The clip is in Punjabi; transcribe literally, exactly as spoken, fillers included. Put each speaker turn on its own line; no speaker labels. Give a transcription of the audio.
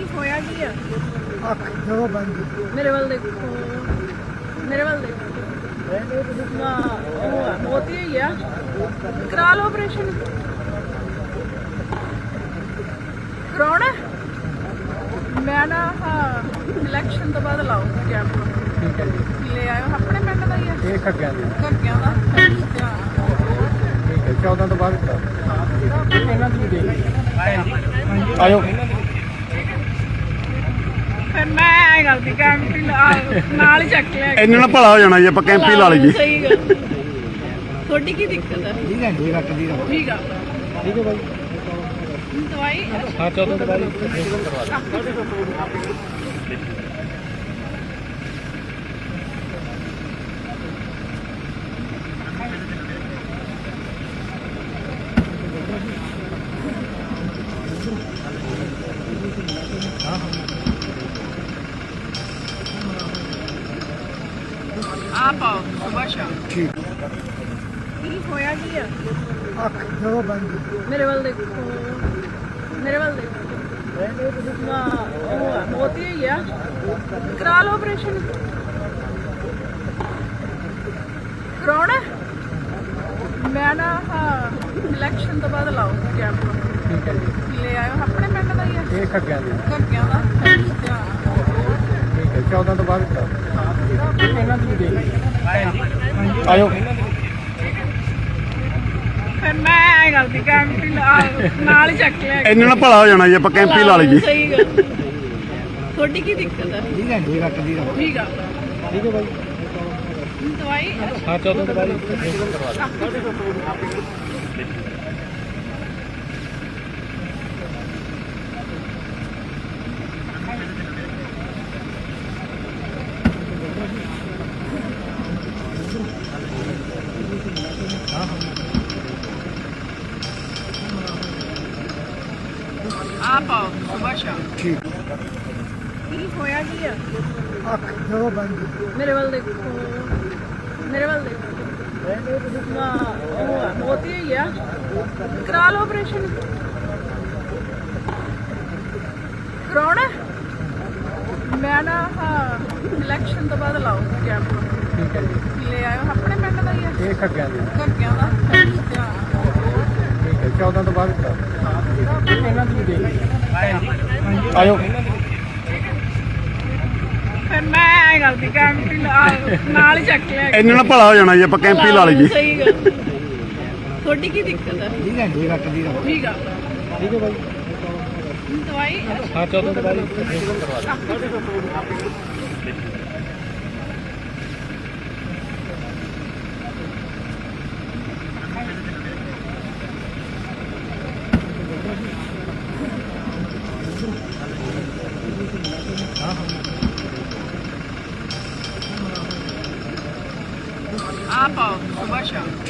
ਹੋਇਆ ਕੀ ਆ?
ਅੱਖ ਜਦੋਂ ਬੰਦ
ਮੇਰੇ ਵੱਲ ਦੇਖੋ, ਮੇਰੇ ਵੱਲ ਦੇਖੋ। ਨਾ ਉਹ ਆ, ਮੋਤੀ ਹੋਈ ਆ, ਕਰਾ ਲਓ ਆਪਰੇਸ਼ਨ। ਕਰਾਉਣਾ ਮੈਂ ਨਾ ਹਾਂ ਇਲੈਕਸ਼ਨ ਤੋਂ ਬਾਅਦ ਲਾਉਂਗਾ ਕੈਂਪ।
ਠੀਕ ਹੈ ਜੀ।
ਲੈ ਆਇਓ ਆਪਣੇ ਪਿੰਡ ਦਾ ਹੀ ਆ,
ਇਹ ਖੱਗਿਆ ਦੀ
ਘੱਗਿਆਂ ਦਾ।
ਠੀਕ ਹੈ ਚੌਦਾਂ ਤੋਂ ਬਾਅਦ ਕਰਾ ਇਹਨਾਂ ਦੀ ਵੀ ਦੇਖ ਆਇਓ
ਫਿਰ ਮੈਂ ਐ ਕਰਦੀ ਕੈਂਪ ਨਾਲ ਹੀ ਚੱਕ ਲਿਆ।
ਇੰਨੇ ਨਾਲ ਭਲਾ ਹੋ ਜਾਣਾ ਜੀ ਆਪਾਂ ਕੈਂਪ ਹੀ ਲਾ ਲਈਏ।
ਸਹੀ ਗੱਲ। ਤੁਹਾਡੀ ਕੀ ਦਿੱਕਤ ਹੈ?
ਠੀਕ ਹੈ ਜੀ ਰੱਖ ਦੀ
ਠੀਕ ਆ।
ਠੀਕ ਹੈ ਬਾਈ
ਦਵਾਈ
ਹਾਂ ਚੌਦਾਂ ਤੋਂ ਬਾਅਦ ਆ ਪਾਓ ਸੁਬਾਹ ਸ਼ਾਮ। ਠੀਕ
ਕੀ ਹੋਇਆ ਕੀ ਆ?
ਅੱਖ ਜਦੋਂ ਬੰਦ
ਮੇਰੇ ਵੱਲ ਦੇਖੋ, ਮੇਰੇ ਵੱਲ ਦੇਖੋ। ਨਾ ਉਹ ਆ, ਮੋਤੀ ਹੋਈ ਆ, ਕਰਾ ਲਓ ਆਪਰੇਸ਼ਨ। ਕਰਾਉਣਾ ਮੈਂ ਨਾ ਹਾਂ ਇਲੈਕਸ਼ਨ ਤੋਂ ਬਾਅਦ ਲਾਉਂਗਾ ਕੈਂਪ।
ਠੀਕ ਹੈ ਜੀ।
ਲੈ ਆਇਓ ਆਪਣੇ ਪਿੰਡ ਦਾ ਹੀ ਆ,
ਇਹ ਖੱਗਿਆ ਦੀ
ਘੱਗਿਆਂ ਦਾ।
ਠੀਕ ਹੈ ਚੌਦਾਂ ਤੋਂ ਬਾਅਦ ਕਰਾ ਇਹਨਾਂ ਦੀ ਵੀ ਦੇਖ ਆਇਓ
ਫਿਰ ਮੈਂ ਐ ਕਰਦੀ ਕੈਂਪ ਨਾਲ ਹੀ ਚੱਕ ਲਿਆ।
ਇੰਨੇ ਨਾਲ ਭਲਾ ਹੋ ਜਾਣਾ ਜੀ ਆਪਾਂ ਕੈਂਪ ਹੀ ਲਾ ਲਈਏ।
ਸਹੀ ਗੱਲ। ਤੁਹਾਡੀ ਕੀ ਦਿੱਕਤ ਹੈ?
ਠੀਕ ਹੈ ਜੀ ਰੱਖ ਦੀ
ਠੀਕ ਆ।
ਠੀਕ ਹੈ ਬਾਈ
ਦਵਾਈ
ਹਾਂ ਚੌਦਾਂ ਤੋਂ ਬਾਅਦ
ਆ ਪਾਓ ਸੁਬਾਹ ਸ਼ਾਮ।
ਠੀਕ
ਕੀ ਹੋਇਆ ਕੀ ਆ?
ਅੱਖ ਜਦੋਂ ਬੰਦ
ਮੇਰੇ ਵੱਲ ਦੇਖੋ, ਮੇਰੇ ਵੱਲ ਦੇਖੋ। ਨਾ ਉਹ ਆ, ਮੋਤੀ ਹੋਈ ਆ, ਕਰਾ ਲਓ ਆਪਰੇਸ਼ਨ। ਕਰਾਉਣਾ ਮੈਂ ਨਾ ਹਾਂ ਇਲੈਕਸ਼ਨ ਤੋਂ ਬਾਅਦ ਲਾਉਂਗਾ ਕੈਂਪ।
ਠੀਕ ਹੈ ਜੀ।
ਲੈ ਆਇਓ ਆਪਣੇ ਪਿੰਡ ਦਾ ਹੀ ਆ,
ਇਹ ਖੱਗਿਆ ਦੀ
ਘੱਗਿਆਂ ਦਾ।
ਠੀਕ ਹੈ ਚੌਦਾਂ ਤੋਂ ਬਾਅਦ ਕਰਾ ਇਹਨਾਂ ਦੀ ਵੀ ਦੇਖ ਆਇਓ
ਫਿਰ ਮੈਂ ਐ ਕਰਦੀ ਕੈਂਪ ਨਾਲ ਹੀ ਚੱਕ ਲਿਆ।
ਇੰਨੇ ਨਾਲ ਭਲਾ ਹੋ ਜਾਣਾ ਜੀ ਆਪਾਂ ਕੈਂਪ ਹੀ ਲਾ ਲਈਏ।
ਸਹੀ ਗੱਲ। ਤੁਹਾਡੀ ਕੀ ਦਿੱਕਤ ਹੈ?
ਠੀਕ ਹੈ ਜੀ ਰੱਖ ਦੀ
ਠੀਕ ਆ।
ਠੀਕ ਹੈ ਬਾਈ
ਦਵਾਈ
ਹਾਂ ਚੌਦਾਂ ਤੋਂ ਬਾਅਦ
ਆ ਪਾਓ ਸੁਬਾਹ ਸ਼ਾਮ।